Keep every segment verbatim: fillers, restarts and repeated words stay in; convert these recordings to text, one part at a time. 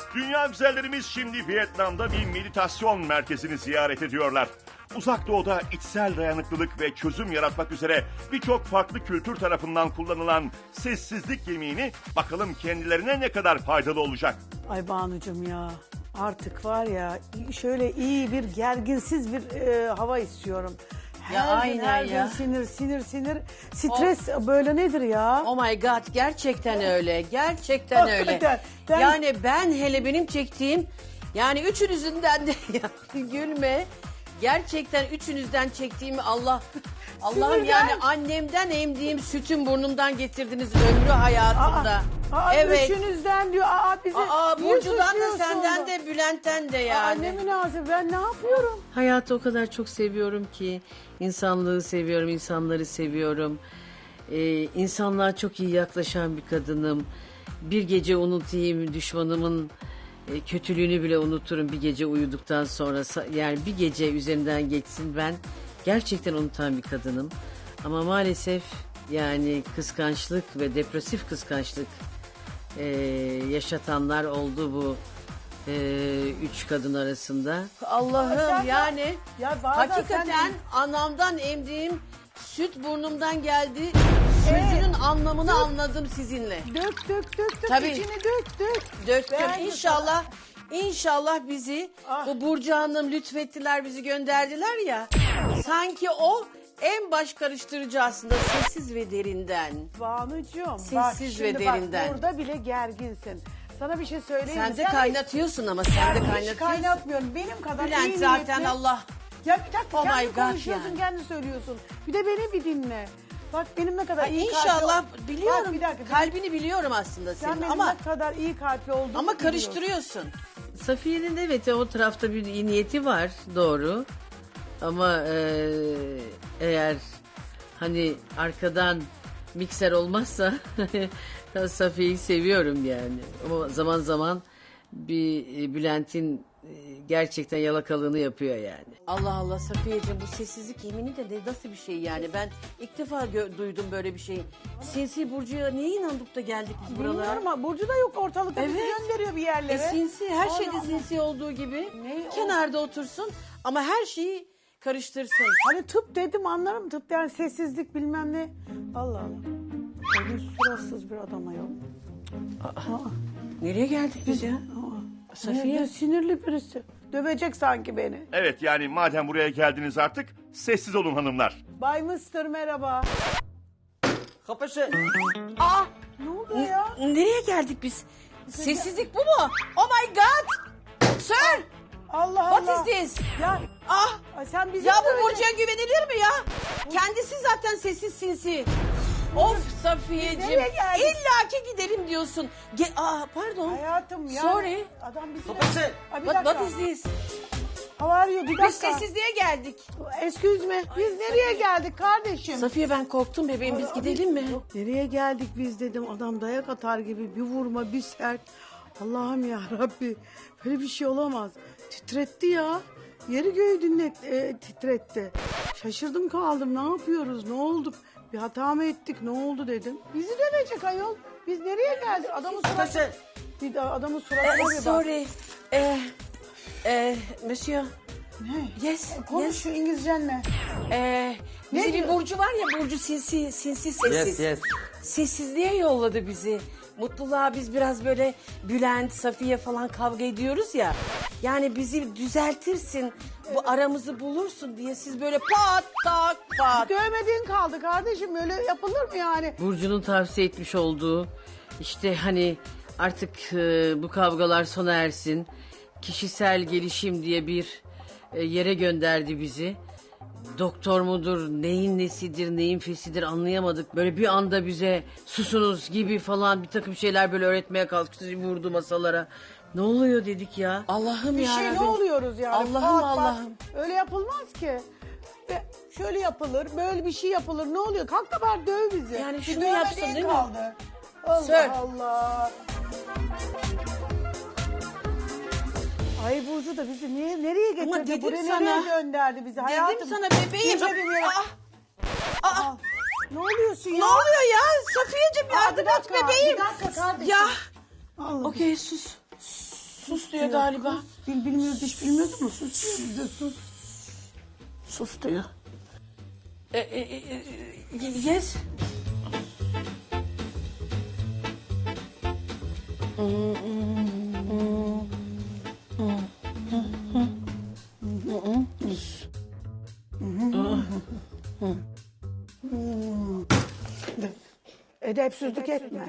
Dünya güzellerimiz şimdi Vietnam'da bir meditasyon merkezini ziyaret ediyorlar. Uzak Doğu'da içsel dayanıklılık ve çözüm yaratmak üzere birçok farklı kültür tarafından kullanılan sessizlik yemeğini bakalım kendilerine ne kadar faydalı olacak. Ay Banucuğum ya, artık var ya şöyle iyi bir gerginsiz bir e, hava istiyorum. Her Ya gün, aynen her ya. gün sinir sinir sinir. Stres böyle nedir ya? Oh my god, gerçekten öyle. Gerçekten öyle. Hakikaten. Ben- Yani ben hele benim çektiğim, yani üçünüzünden de yani gülme. Gerçekten üçünüzden çektiğimi Allah Allah'ım Sinirden. yani annemden emdiğim sütün burnumdan getirdiniz ömrü hayatımda. Aa, aa, evet. Üçünüzden diyor. Aa, bizi Aa, niye Burcu'dan da suçluyorsun senden da? de Bülent'ten de Aa, yani. ne münasebet, ben ne yapıyorum? Hayatı o kadar çok seviyorum ki insanlığı seviyorum, insanları seviyorum. Ee, insanlığa çok iyi yaklaşan bir kadınım. Bir gece unutayım düşmanımın e, kötülüğünü bile unuturum bir gece uyuduktan sonra. Sa- Yani bir gece üzerinden geçsin ben gerçekten unutan bir kadınım. Ama maalesef yani kıskançlık ve depresif kıskançlık e, yaşatanlar oldu bu e, üç kadın arasında. Allah'ım Sen- yani Ya bazen hakikaten sen- anamdan emdiğim süt burnumdan geldi. Sözünün anlamını anladım sizinle. Dök dök dök dök Tabii. içini dök dök. Döktüm. Ben- İnşallah İnşallah bizi Ah. bu Burcu Hanım lütfettiler, bizi gönderdiler ya. Sanki o en baş karıştırıcı aslında, sessiz ve derinden. Banucuğum Sessiz bak ve şimdi derinden. bak burada bile gerginsin. Sana bir şey söyleyeyim mi? Sen de kaynatıyorsun ama sen de Ben hiç kaynatıyorsun. kaynatmıyorum. Benim kadar Bülent iyi zaten niyetli- Allah. Ya bir dakika Oh my kendi God konuşuyorsun, yani. kendi söylüyorsun. Bir de beni bir dinle. Bak benim ne kadar Ay, iyi İnşallah kalpli... biliyorum. Bak bir dakika. Kalbini biliyorum aslında Sen senin benim ama ne kadar iyi kalpli olduğumu ama biliyorsun. karıştırıyorsun. Safiye'nin evet o tarafta bir iyi niyeti var doğru. Ama e, eğer hani arkadan mikser olmazsa Safiye'yi seviyorum yani. Ama zaman zaman bir e, Bülent'in e, gerçekten yalakalığını yapıyor yani. Allah Allah Safiyeciğim, bu sessizlik yemini de ne- nasıl bir şey yani? Ben ilk defa gö- duydum böyle bir şey. Sinsi Burcu'ya niye inandık da geldik biz buralara? Bilmiyorum ama Burcu da yok ortalıkta. Bizi Evet. gönderiyor bir yerlere. E sinsi, her Allah şeyde Allah. sinsi olduğu gibi. Ne o? Kenarda otursun ama her şeyi karıştırsın. Hani tıp dedim anlarım tıp yani sessizlik bilmem ne. Allah Allah. Öyle suratsız bir adam ayol. Nereye geldik biz ya? Aa, Safiye. ne- sinirli birisi. Dövecek sanki beni. Evet yani madem buraya geldiniz artık sessiz olun hanımlar. Bay Mıstır merhaba. Kapısı. Aa, Ne oldu ya? nereye geldik biz? Sessizlik bu mu? Oh my god! Sir! Allah Allah. What is this? Ya Ah! ay sen bizi Ya mi bu öyle- Burcu'ya güvenilir mi ya? Kendisi zaten sessiz sinsi. Of Safiyeciğim. Nereye geldik? İlla ki gidelim diyorsun. Ge- Aa, pardon. Hayatım ya. Sorry. Adam bizi... Kapısı. Ay, bir What, dakika. what is this? How are you? Bir dakika. Biz sessizliğe geldik. Excuse me. Biz nereye geldik kardeşim? Safiye ben korktum bebeğim, biz gidelim mi? Nereye geldik biz dedim. Adam dayak atar gibi bir vurma bir sert. Allah'ım ya Rabbi. Böyle bir şey olamaz. Titretti ya. Yeri göğü dinlet, e, titretti. Şaşırdım kaldım. Ne yapıyoruz? Ne olduk? Bir hata mı ettik? Ne oldu dedim. Bizi dövecek ayol. Biz nereye geldik? Adamın suratı... Kapısı. Bir de adamın suratına bir Eh, bak. sorry. Eh, eh, monsieur. Ne? Yes, Konuş yes. şu İngilizcenle. Eh, bizi Ne bir diyor? Burcu var ya, Burcu sinsi, sinsi sessiz. Yes yes. Sessizliğe yolladı bizi. Mutluluğa biz biraz böyle Bülent, Safiye falan kavga ediyoruz ya. Yani bizi düzeltirsin, bu aramızı bulursun diye siz böyle pat tak pat. Dövmediğin kaldı kardeşim. Öyle yapılır mı yani? Burcu'nun tavsiye etmiş olduğu işte hani artık e, bu kavgalar sona ersin. Kişisel gelişim diye bir e, yere gönderdi bizi. Doktor mudur, neyin nesidir, neyin fesidir anlayamadık. Böyle bir anda bize susunuz gibi falan bir takım şeyler böyle öğretmeye kalktı, vurdu masalara. Ne oluyor dedik ya. Allah'ım Bir ya şey ne Rabbim. oluyoruz yani? Allah'ım, Pat pat. Allah'ım. Öyle yapılmaz ki. Ve şöyle yapılır, böyle bir şey yapılır. Ne oluyor? Kalk da bari döv bizi. Yani Bir şunu dövmediğin yapsın değil mi? kaldı. Allah Sir. Allah. Ay Burcu da bizi niye nereye getirdi? Ama dedim Buraya sana. nereye gönderdi bizi? Dedim sana bebeğim. Gitmedim yere. Aa, aa, Aa, ne oluyorsun ya? ne oluyor ya? Safiyeciğim Aa, yardım bir et dakika, bebeğim. bir dakika kardeşim. Ya. Allah. Okey sus. sus diyor galiba. Bil, bilmiyoruz hiç bilmiyordun mu? Sus diyor bize sus. Sus diyor. E, e, e, e, yes. Edepsizlik etme.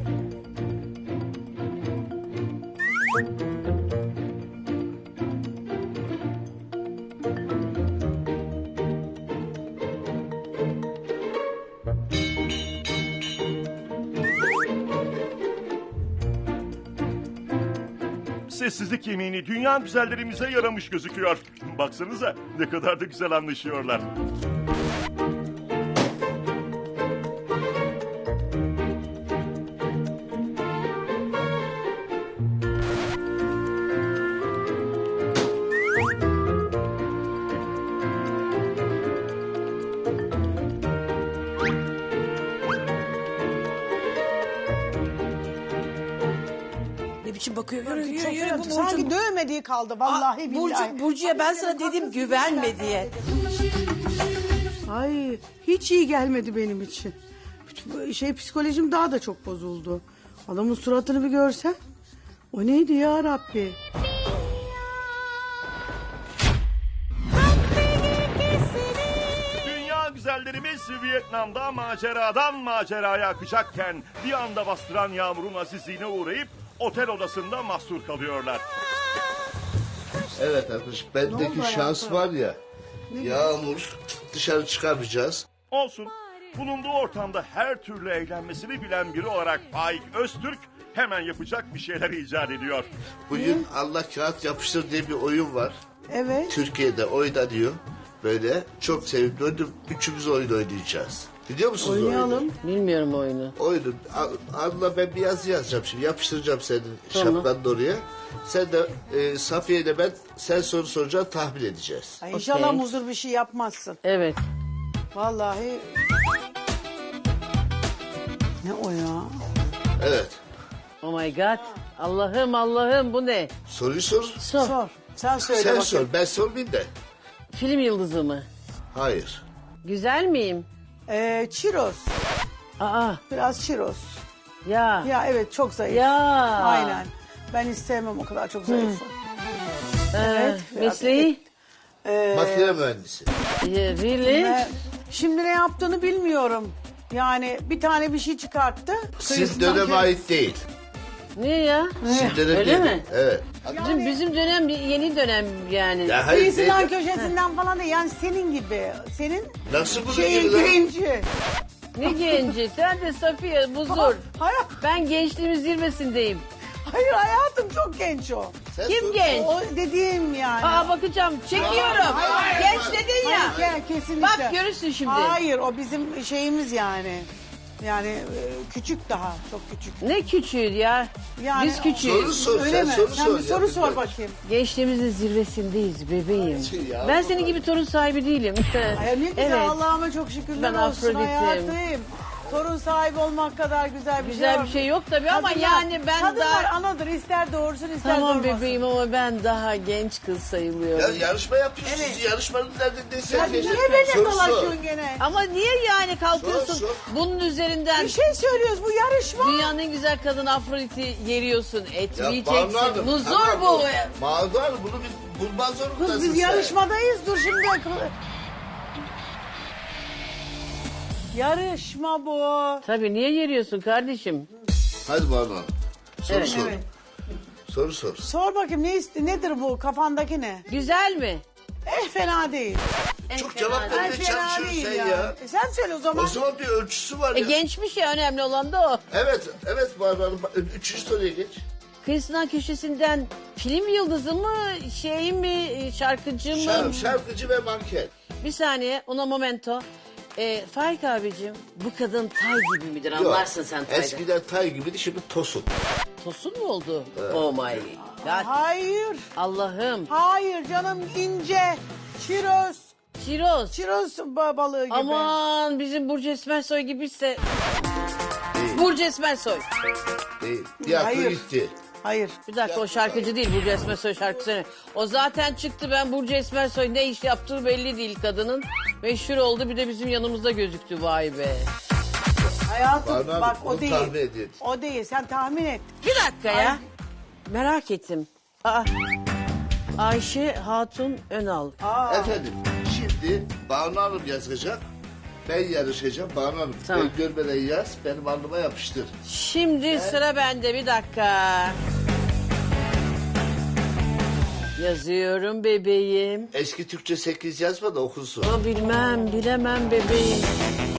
Sessizlik yemeğini dünya güzellerimize yaramış gözüküyor. Baksanıza ne kadar da güzel anlaşıyorlar. Ne biçim bakıyor? Yürü yürü Çok yürü. Bu fena. Sanki Burcu. dövmediği kaldı vallahi Aa, billahi. Burcu, Burcu'ya ben sana dedim güvenme diye. Ay hiç iyi gelmedi benim için. Bütün- Şey psikolojim daha da çok bozuldu. Adamın suratını bir görsen. O neydi ya Rabbi? Dünya güzellerimiz Vietnam'da maceradan maceraya akacakken bir anda bastıran yağmurun azizliğine uğrayıp otel odasında mahsur kalıyorlar. Evet arkadaş, bendeki şans var ya, yağmur dışarı çıkamayacağız. Olsun. Bulunduğu ortamda her türlü eğlenmesini bilen biri olarak Faik Öztürk hemen yapacak bir şeyler icat ediyor. Bugün Allah kağıt yapıştır diye bir oyun var. Evet. Türkiye'de oynanıyor. Böyle çok sevimli oyun. Üçümüz oyun oynayacağız. Biliyor musunuz Oynayalım. oyunu? Bilmiyorum oyunu. Oyunu. Anla ben bir yazı yazacağım şimdi. Yapıştıracağım senin Tamam. şapkanın oraya. Sen de e, Safiye ile ben sen soru soracaksın, tahmin edeceğiz. Ay, İnşallah Okey. muzur bir şey yapmazsın. Evet. Vallahi. Ne o ya? Evet. Oh my god. Allah'ım Allah'ım bu ne? Soruyu sor. Sor. Sor. Sen söyle Sen bakayım. sor. Ben sormayayım da. Film yıldızı mı? Hayır. Güzel miyim? Ee, çiroz. Aa Biraz çiroz. ya. Ya evet çok zayıf. Ya. Aynen. Ben istemem o kadar çok zayıf. Ee, Evet, biraz mesleği? Ee, Makine mühendisi. Really? Ee, şimdi ne yaptığını bilmiyorum. Yani bir tane bir şey çıkarttı. Sizin Kıyısından döneme kö- ait değil. Ne ya? Sizin dönem Öyle değil. mi? Evet. Bizim, bizim dönem yeni dönem yani. Ya hayır Kıyısından değil. köşesinden falan değil. Yani senin gibi. Senin Nasıl bunu şeyin gibi lan? genci. Ne genci? Sen de Safiye buzur. Hayır, Ben gençliğimin zirvesindeyim. hayır hayatım çok genç o. Sen Kim sor. genç? O dediğim yani. Aa bakacağım. Çekiyorum. Hayır, Genç hayır. dedin ya. Hayır, ke- kesinlikle. Bak görürsün şimdi. Hayır o bizim şeyimiz yani. Yani e, küçük daha çok küçük. Ne küçüğü ya. Yani Biz Soru küçüğüz. sor. Öyle sen mi? soru Sen sor. bir ya, soru sor bilmiyorum. bakayım. Gençliğimizin zirvesindeyiz bebeğim. Şey ya, Ben bu senin gibi torun sahibi değilim. Ay ne güzel Evet. Allah'ıma çok şükürler Ben olsun Afrodit'im. hayatım. Torun sahibi olmak kadar güzel bir Güzel şey bir şey yok tabii ama Kadınlar- yani ben Kadınlar daha... anadır ister doğursun ister Tamam doğurmasın. bebeğim ama ben daha genç kız Ya sayılıyorum. yarışma yapıyorsunuz. Yarışmanın neredeyse. Ya niye beni dolaşıyorsun gene? Ama niye yani kalkıyorsun Sor, sor. bunun üzerinden Bir şey söylüyoruz bu yarışma. dünyanın en güzel kadını Afrodit'i yeriyorsun, etleyeceksin. Banu Hanım, Muzur tamam bu. Banu Hanım bunu bir bulman zorundasın Kız biz sen. yarışmadayız dur şimdi. Yarışma bu. Tabii niye yeriyorsun kardeşim? Hadi Banu Hanım. Soru Evet. sor. Evet. Soru sor. Sor bakayım ne ist- nedir bu kafandaki ne? Güzel mi? Eh fena değil. Çok fena cevap değil. Eh vermeye fena çalışıyorsun değil sen ya. ya. E sen söyle o zaman. O zaman bir ölçüsü var E, ya. gençmiş ya önemli olan da o. Evet, evet Banu Hanım. Üçüncü soruya geç. Kıyısından köşesinden film yıldızı mı, şey mi, şarkıcı mı? Şarkı, şarkıcı ve manken. Bir saniye, una momento. E, Faik abicim, bu kadın tay gibi midir? Yok, Anlarsın sen taydan. eskiden tay gibiydi, şimdi tosun. Tosun mu oldu? Oh my god. Hayır. Allah'ım. Hayır canım ince. Çiroz. Çiroz. Çiroz ba- balığı gibi. Aman bizim Burcu Esmersoy gibiyse. Burcu Esmersoy. Değil. Tiyatro Hayır. gitti. Hayır. Bir dakika o şarkıcı değil Burcu Esmersoy şarkısı. O zaten çıktı ben Burcu Esmersoy ne iş yaptığı belli değil kadının. Meşhur oldu bir de bizim yanımızda gözüktü vay be. Hayatım Banu Hanım, bak o onu değil. tahmin edin. O değil sen tahmin et. Bir dakika ya. Ay. Merak ettim. Aa, Ayşe Hatun Önal. Efendim şimdi Banu Hanım yazacak. Ben yarışacağım. Banu Hanım Tamam. ben görmeden yaz. Benim alnıma yapıştır. Şimdi sıra bende bir dakika. Yazıyorum bebeğim. Eski Türkçe sekiz yazma da okunsun. Ama bilmem bilemem bebeğim.